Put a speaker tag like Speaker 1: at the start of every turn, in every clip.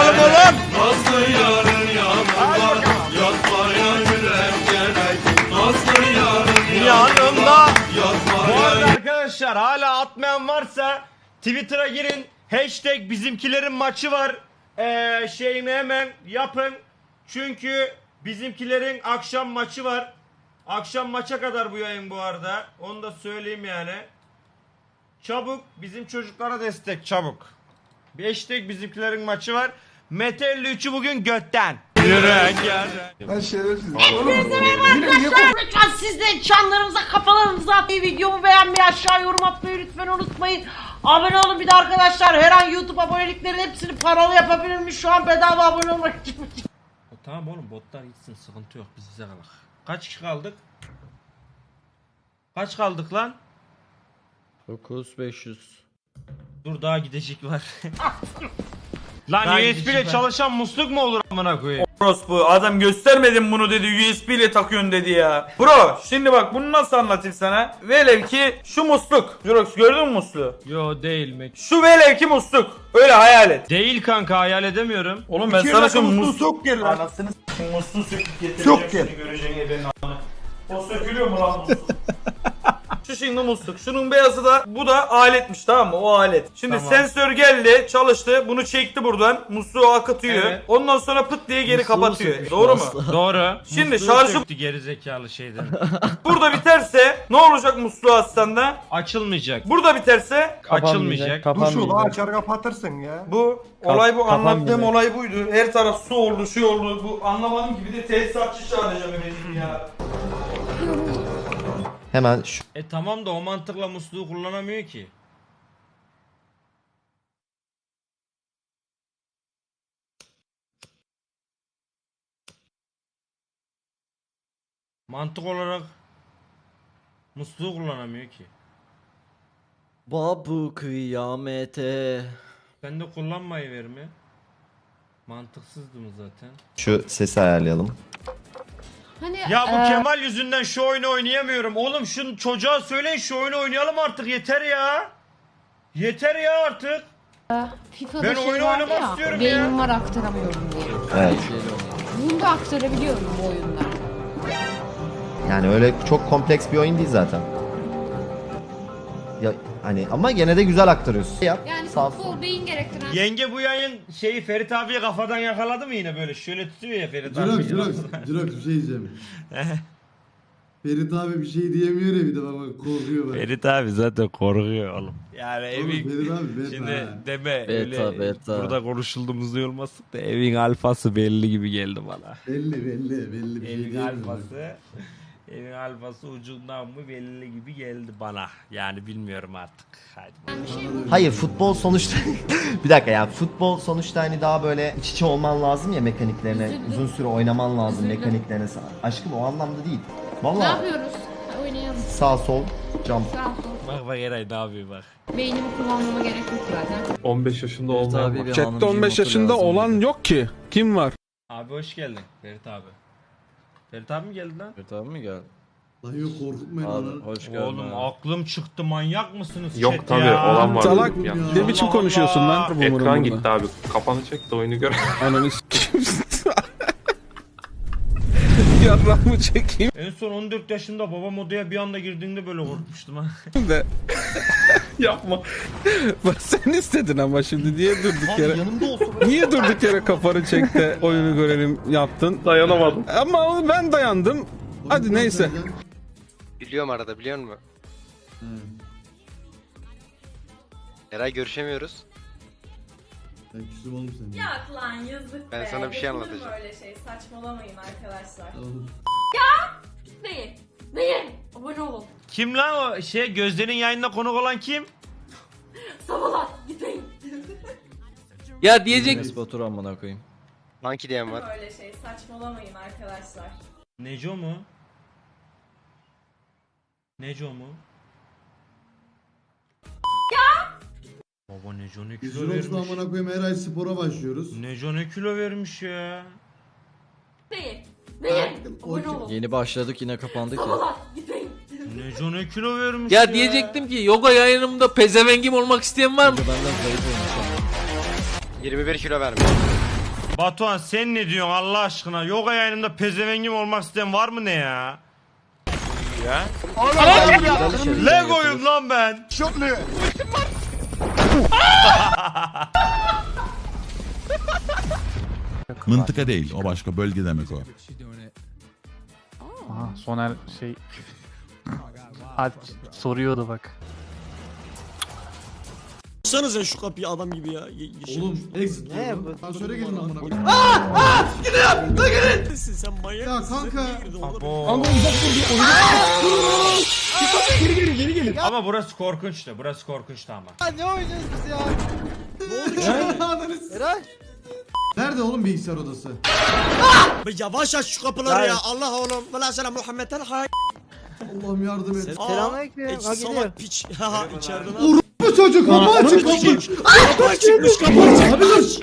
Speaker 1: yapalım oğlum?
Speaker 2: Nazlı yarın yanında yatmaya yürek gerek. Nazlı yarın
Speaker 1: Yanımda. Bu
Speaker 2: yatmaya
Speaker 1: arada arkadaşlar hala atmayan varsa Twitter'a girin. Hashtag bizimkilerin maçı var. Şeyini hemen yapın. Çünkü bizimkilerin akşam maçı var. Akşam maça kadar bu yayın bu arada. Onu da söyleyeyim yani. Çabuk bizim çocuklara destek çabuk. Bir hashtag bizimkilerin maçı var. Mete 53'ü bugün götten. Yürek
Speaker 3: Ben şerefsiz.
Speaker 4: Lütfen siz de çanlarınıza kafalarınıza atmayı, videomu beğenmeyi, aşağı yorum atmayı lütfen unutmayın. Abone olun bir de arkadaşlar, her an YouTube aboneliklerin hepsini paralı yapabilirmiş, şu an bedava abone olmak için.
Speaker 1: Tamam oğlum botlar gitsin sıkıntı yok biz bize kalak. Kaç kişi kaldık? Kaç kaldık lan?
Speaker 5: 9500.
Speaker 1: Dur daha gidecek var. Lan USB ile çalışan musluk mu olur amına koyayım?
Speaker 6: Bu adam göstermedim bunu dedi, USB ile takıyorsun dedi ya. Bro şimdi bak bunu nasıl anlatayım sana? Velev ki şu musluk. Jurox gördün mü musluğu?
Speaker 1: Yo değil mi?
Speaker 6: Şu velev ki musluk. Öyle hayal et.
Speaker 1: Değil kanka hayal edemiyorum.
Speaker 6: Oğlum ben sana şu
Speaker 3: musluğu
Speaker 6: musluk
Speaker 3: sok gel lan.
Speaker 6: anasını s***ing musluğu söküp getireceğim.
Speaker 3: Sok gel.
Speaker 6: Şimdi göreceksin ebenin anı. O sökülüyor mu lan musluk? Şu şimdi musluk. Şunun beyazı da bu da aletmiş tamam mı? O alet. Şimdi
Speaker 1: Tamam.
Speaker 6: sensör geldi, çalıştı. Bunu çekti buradan. Musluğu akıtıyor.
Speaker 1: Evet.
Speaker 6: Ondan sonra pıt diye geri
Speaker 5: Musluğu
Speaker 6: kapatıyor.
Speaker 5: sökmüş
Speaker 6: Doğru mu?
Speaker 5: musluğu.
Speaker 1: Doğru.
Speaker 6: Şimdi
Speaker 1: Musluğu
Speaker 6: şarjı-
Speaker 1: söktü geri zekalı şeyden.
Speaker 6: Burada biterse ne olacak musluğu aslında?
Speaker 1: Açılmayacak.
Speaker 6: Burada biterse
Speaker 1: Açılmayacak.
Speaker 3: Duş ol açar kapatırsın ya.
Speaker 6: bu olay bu anlattığım
Speaker 5: kapanmayacak.
Speaker 6: olay buydu. Her taraf su oldu, şey oldu. Bu anlamadım ki bir de tesisatçı çağıracağım benim ya.
Speaker 5: Hemen şu
Speaker 1: Tamam da o mantıkla musluğu kullanamıyor ki. Mantık olarak musluğu kullanamıyor ki.
Speaker 5: babu kıyamete.
Speaker 1: Ben de kullanmayı verme. Mantıksızdı mı zaten?
Speaker 5: Şu sesi ayarlayalım.
Speaker 7: Hani
Speaker 1: Ya bu Kemal yüzünden şu oyunu oynayamıyorum. Oğlum şu çocuğa söyleyin şu oyunu oynayalım artık yeter ya. Yeter ya artık.
Speaker 7: FIFA'da
Speaker 1: Ben
Speaker 7: şey
Speaker 1: oyunu
Speaker 7: vardı
Speaker 1: oynamak
Speaker 7: ya,
Speaker 1: istiyorum
Speaker 7: beynim
Speaker 1: ya.
Speaker 7: var aktaramıyorum diye.
Speaker 5: Evet.
Speaker 7: Bunu da aktarabiliyorum bu oyunda.
Speaker 5: Yani öyle çok kompleks bir oyun değil zaten. Ya hani ama gene de güzel aktarıyorsun. Yap.
Speaker 7: Yani
Speaker 5: Sağ
Speaker 7: futbol beyin gerektiren
Speaker 1: Yenge bu yayın şeyi Ferit abiye kafadan yakaladı mı yine böyle? Şöyle tutuyor ya Ferit abi.
Speaker 8: Jirox bir şey diyeceğim. Ferit abi bir şey diyemiyor ya bir de baba korkuyor bak.
Speaker 1: Ferit abi zaten korkuyor oğlum. Yani
Speaker 8: Oğlum
Speaker 1: evin
Speaker 8: Ferit abi beta
Speaker 1: şimdi
Speaker 8: ha.
Speaker 1: deme
Speaker 5: Beta,
Speaker 1: öyle
Speaker 5: beta.
Speaker 1: burada konuşulduğumuz olmasın da evin alfası belli gibi geldi bana.
Speaker 8: Belli bir şey
Speaker 1: Evin
Speaker 8: diyemiyorum.
Speaker 1: alfası evin alfası ucundan mı belli gibi geldi bana. Yani bilmiyorum artık. Hadi.
Speaker 5: Hayır futbol sonuçta bir dakika ya futbol sonuçta hani daha böyle iç içe olman lazım ya mekaniklerine
Speaker 7: Üzüldüm.
Speaker 5: uzun süre oynaman lazım
Speaker 7: Üzüldüm.
Speaker 5: mekaniklerine. Aşkım o anlamda değil.
Speaker 7: Ne
Speaker 5: Vallahi
Speaker 7: yapıyoruz? Ha, oynayalım.
Speaker 5: sağ sol jump.
Speaker 7: Sağ ol.
Speaker 1: Bak bak Eray ne yapıyor bak.
Speaker 7: Beynimi kullanmama gerek yok zaten.
Speaker 9: 15 yaşında olmayan var.
Speaker 10: Chat'te 15 yaşında olan yok ki. Kim var?
Speaker 1: Abi hoş geldin Ferit abi. Ferit abi mi geldi lan?
Speaker 5: Tamam mı gel?
Speaker 8: Lan yok korkutmayın lan.
Speaker 5: Hoş
Speaker 1: Oğlum aklım çıktı manyak mısınız
Speaker 9: Yok
Speaker 1: chat
Speaker 9: tabi
Speaker 1: ya?
Speaker 9: olan var.
Speaker 10: Salak
Speaker 9: Ya.
Speaker 10: ne biçim
Speaker 1: Allah
Speaker 10: konuşuyorsun
Speaker 1: Allah.
Speaker 10: lan?
Speaker 9: Ekran gitti abi. Kafanı çek de oyunu gör.
Speaker 10: Ananı s**eyim. Yarrağımı çekeyim
Speaker 1: En son 14 yaşında babam odaya bir anda girdiğinde böyle korkmuştum ha.
Speaker 10: de.
Speaker 9: Yapma.
Speaker 10: Bak sen istedin ama şimdi niye durduk
Speaker 5: Abi
Speaker 10: yere?
Speaker 5: yanımda olsa
Speaker 10: Niye durduk yere kafanı çek de oyunu görelim yaptın?
Speaker 9: Dayanamadım.
Speaker 10: Ama ben dayandım. Hadi neyse.
Speaker 11: Biliyorum arada biliyor musun? Eray görüşemiyoruz.
Speaker 8: Ben küstüm oğlum seni.
Speaker 4: Yak lan yazık
Speaker 11: Ben
Speaker 4: be.
Speaker 11: sana bir şey
Speaker 4: Yapılır mı
Speaker 11: anlatacağım.
Speaker 4: öyle şey, saçmalamayın arkadaşlar.
Speaker 8: Oğlum.
Speaker 7: Beyin. Beyin. Abone olun.
Speaker 1: Kim lan o şey Gözde'nin yayınına konuk olan kim?
Speaker 7: Sabahlar. Gitmeyin.
Speaker 5: Ya diyecek. Batur amına koyayım.
Speaker 11: Monkey diyen var.
Speaker 4: Öyle şey, saçmalamayın arkadaşlar.
Speaker 1: Neco mu? Neco mu? Baba Neco ne
Speaker 8: Biz
Speaker 1: kilo
Speaker 8: Jirox'la
Speaker 1: vermiş.
Speaker 8: amına koyayım her ay spora başlıyoruz.
Speaker 1: Neco ne kilo vermiş ya.
Speaker 7: Beyin. Beyin. Abone olun.
Speaker 5: Yeni başladık yine kapandık ya.
Speaker 7: Sabahlar. Gitmeyin.
Speaker 1: Neco ne kilo vermiş
Speaker 5: Ya diyecektim ki yoga yayınımda pezevengim olmak isteyen var mı? Benden zayıf olmuş.
Speaker 11: 21 kilo vermiş.
Speaker 1: Batuhan sen ne diyorsun Allah aşkına? Yoga yayınında pezevengim olmak isteyen var mı ne ya? Ya? Lego'yum lan ben.
Speaker 2: Mıntıka değil, o başka bölge demek o.
Speaker 10: Aha, Soner şey soruyordu bak.
Speaker 1: Açsanıza şu kapıyı adam gibi ya.
Speaker 8: Oğlum exit. Ne bu? Asansöre gelin amına koyayım.
Speaker 1: Sen manyak
Speaker 8: Ya kanka.
Speaker 1: Ama burası korkunçtu. Burası korkunçtu ama.
Speaker 8: Ne oynuyoruz biz ya? Ne oldu ki? Eray. Nerede oğlum bilgisayar odası?
Speaker 1: Yavaş aç şu kapıları ya. Allah oğlum. Vela selam Muhammed'den hay.
Speaker 8: Allah'ım yardım et.
Speaker 1: Selamünaleyküm. Salak piç. Ha içeriden al.
Speaker 8: Bu çocuk kapı açık kapı.
Speaker 1: Kapı açıkmış kapı açık.
Speaker 8: Abi dur.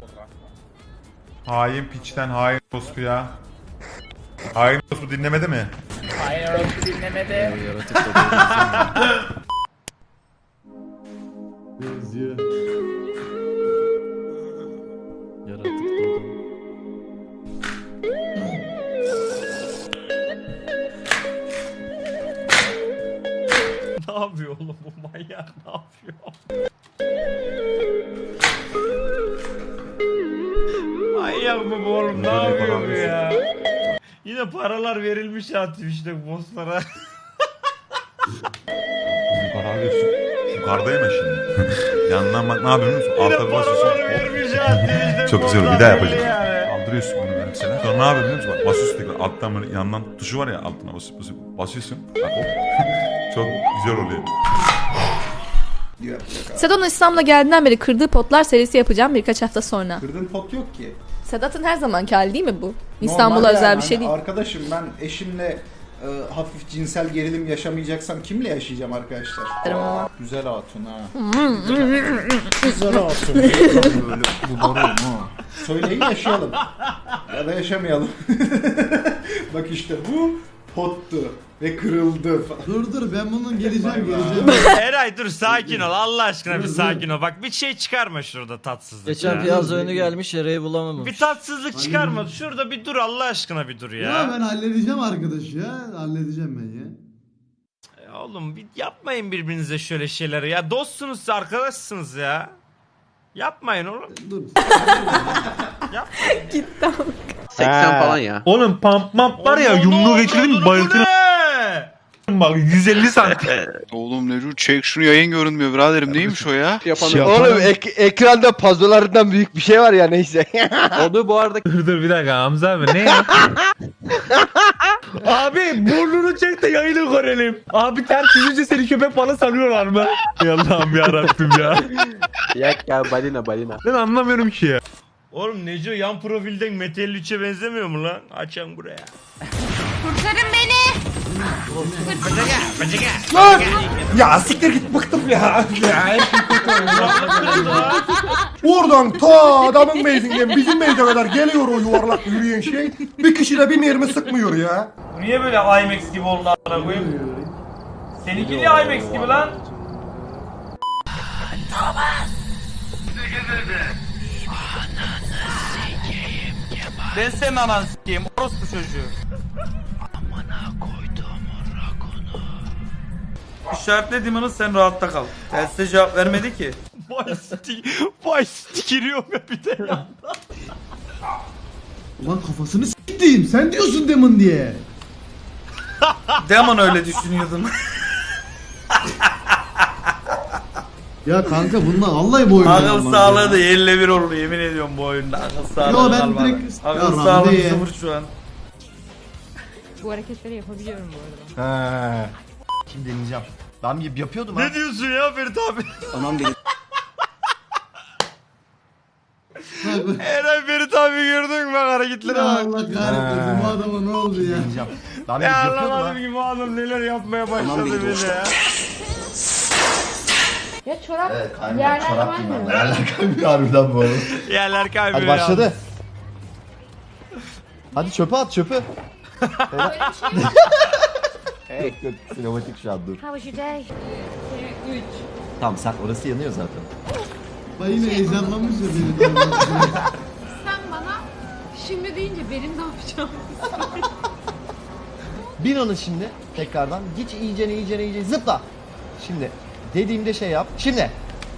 Speaker 2: Hain piçten hain dostu ya. Hain dostu dinlemedi mi?
Speaker 8: Benziyor.
Speaker 1: Ne yapıyor oğlum bu manyak ne yapıyor? Manyak mı bu oğlum ne yapıyor bu ya? Yine paralar verilmiş ya Twitch'te bosslara.
Speaker 2: Yukarı alıyorsun. Yukarıdayım ya şimdi. Yanından bak ne yapıyorsun?
Speaker 1: Yine
Speaker 2: Altta basıyorsun.
Speaker 1: paralar vermiş ya Twitch'te
Speaker 2: Çok güzel bir
Speaker 1: bosslar
Speaker 2: daha
Speaker 1: böyle
Speaker 2: yapacağım.
Speaker 1: yani.
Speaker 2: Kaldırıyorsun bunu mesela. Sonra ne yapıyorsun biliyor musun? Bak basıyorsun tekrar alttan böyle yandan tuşu var ya altına basıyorsun. Bak hop. Çok güzel oluyor.
Speaker 7: Sedat'ın İstanbul'a geldiğinden beri kırdığı potlar serisi yapacağım birkaç hafta sonra.
Speaker 3: Kırdığın pot yok ki.
Speaker 7: Sedat'ın her zamanki hali değil mi bu? İstanbul'a özel bir şey değil.
Speaker 3: Arkadaşım ben eşimle hafif cinsel gerilim yaşamayacaksam kimle yaşayacağım arkadaşlar?
Speaker 7: Ama.
Speaker 3: Güzel hatun ha. Güzel hatun. Böyle bu doğru mu? Söyleyin yaşayalım. Ya da yaşamayalım. Bak işte bu pottu ve kırıldı.
Speaker 8: Dur ben bunun geleceğim.
Speaker 1: Eray dur sakin ol Allah aşkına bir sakin ol. Bak bir şey çıkarma şurada tatsızlık.
Speaker 11: Geçen
Speaker 1: ya.
Speaker 11: piyaz önü gelmiş Eray'ı bulamamış.
Speaker 1: Bir tatsızlık çıkarma. Şurada bir dur Allah aşkına bir dur ya.
Speaker 8: Ya ben halledeceğim arkadaş ya. Halledeceğim ben ya.
Speaker 1: Oğlum bir yapmayın birbirinize şöyle şeyleri ya. Dostsunuz siz, arkadaşsınız ya. Yapmayın oğlum.
Speaker 8: Dur.
Speaker 7: Gitti ama.
Speaker 9: 80 falan ya.
Speaker 10: Oğlum pump var ya yumruğu geçirdim bayıltırım bak 150 santim.
Speaker 9: Oğlum Neru çek şunu yayın görünmüyor biraderim neymiş o ya?
Speaker 11: Oğlum ekranda puzzle'lardan büyük bir şey var ya neyse.
Speaker 9: Onu bu arada
Speaker 10: Dur bir dakika Hamza abi ne ya? Abi burnunu çek de yayını görelim. Abi ters yüzünce seni köpek balığı sanıyorlar mı? Ya Allah'ım yarabbim ya.
Speaker 11: Yak ya balina.
Speaker 10: Ben anlamıyorum ki ya.
Speaker 1: Oğlum Neco yan profilden Mete 53'e benzemiyor mu lan? Açan buraya.
Speaker 7: Kurtarın beni.
Speaker 3: Lan! Ya siktir git bıktım ya. Oradan ta adamın meyzinden bizim meyze kadar geliyor o yuvarlak yürüyen şey. Bir kişi de bir mermi sıkmıyor ya.
Speaker 6: Bu niye böyle IMAX gibi oldu a**ına koyayım? Seninki niye IMAX gibi lan? Ben senin ananı s**eyim orospu çocuğu. Amına koydum rakunu. İşaretlediğimini sen rahatta kal. Telsize cevap vermedi ki.
Speaker 1: Vay stikiriyorum ya bir de ya.
Speaker 8: Ulan kafasını s**tim. Sen diyorsun Demon diye.
Speaker 6: Demon öyle düşünüyordum.
Speaker 8: Ya kanka bundan vallahi bu oyunda
Speaker 6: Akıl
Speaker 8: olmaz
Speaker 6: sağlığı
Speaker 8: ya.
Speaker 6: da yerle bir oldu yemin ediyorum bu oyunda. Akıl sağlığı
Speaker 8: Yo, ben
Speaker 6: kalmadı.
Speaker 8: direkt-
Speaker 6: Akıl
Speaker 8: Ya
Speaker 6: sağlığı
Speaker 8: Rambe ya.
Speaker 6: sıfır şu an.
Speaker 7: Bu hareketleri yapabiliyorum bu arada.
Speaker 5: He. Şimdi deneyeceğim. Ben yapıyordum ha.
Speaker 1: Ne diyorsun ya Ferit abi?
Speaker 11: Aman benim.
Speaker 1: Eray Ferit abi gördün mü bak hareketlere
Speaker 8: Ya
Speaker 1: bak.
Speaker 8: Allah kahretmesin bu adama ne oldu ya?
Speaker 5: Deneyeceğim. Ben
Speaker 1: Ya
Speaker 5: yapıyordum ha.
Speaker 1: anlamadım ki bu adam neler yapmaya başladı böyle ya.
Speaker 7: Ya çorap
Speaker 5: Evet, kaymıyor.
Speaker 7: yerler
Speaker 5: Çorap
Speaker 7: kaymıyor.
Speaker 5: giymem. Yerler kaymıyor harbiden bu arada.
Speaker 1: Yerler kaybıyor
Speaker 5: Hadi başladı. Hadi çöpe at çöpe. Yok sinematik şu an dur.
Speaker 7: How was your day? 3.
Speaker 5: Tamam sen orası yanıyor zaten.
Speaker 8: Bak yine heyecanlanmış ya beni.
Speaker 7: Sen bana
Speaker 4: şimdi deyince benim ne yapacağım?
Speaker 5: Bin onu şimdi tekrardan. Git iyice zıpla. Şimdi dediğimde şey yap. Şimdi.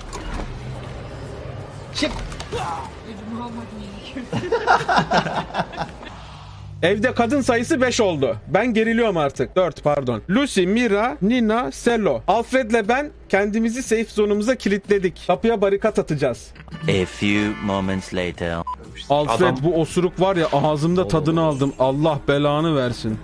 Speaker 10: Evde kadın sayısı 5 oldu. Ben geriliyorum artık. 4 pardon. Lucy, Mira, Nina, Sello. Alfred'le ben kendimizi safe zone'umuza kilitledik. Kapıya barikat atacağız.
Speaker 12: A few moments later.
Speaker 10: Alfred bu osuruk var ya ağzımda tadını aldım. Allah belanı versin.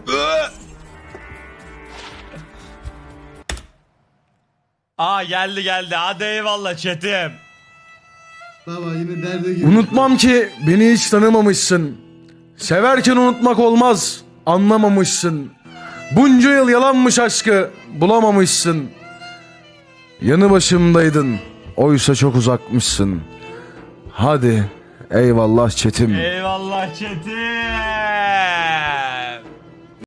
Speaker 1: Aa geldi. Hadi eyvallah chatim.
Speaker 8: Baba yine derde girdi.
Speaker 13: Unutmam ki beni hiç tanımamışsın. Severken unutmak olmaz, anlamamışsın. Bunca yıl yalanmış aşkı, bulamamışsın. Yanı başımdaydın, oysa çok uzakmışsın. Hadi, eyvallah çetim.
Speaker 1: Eyvallah chatim.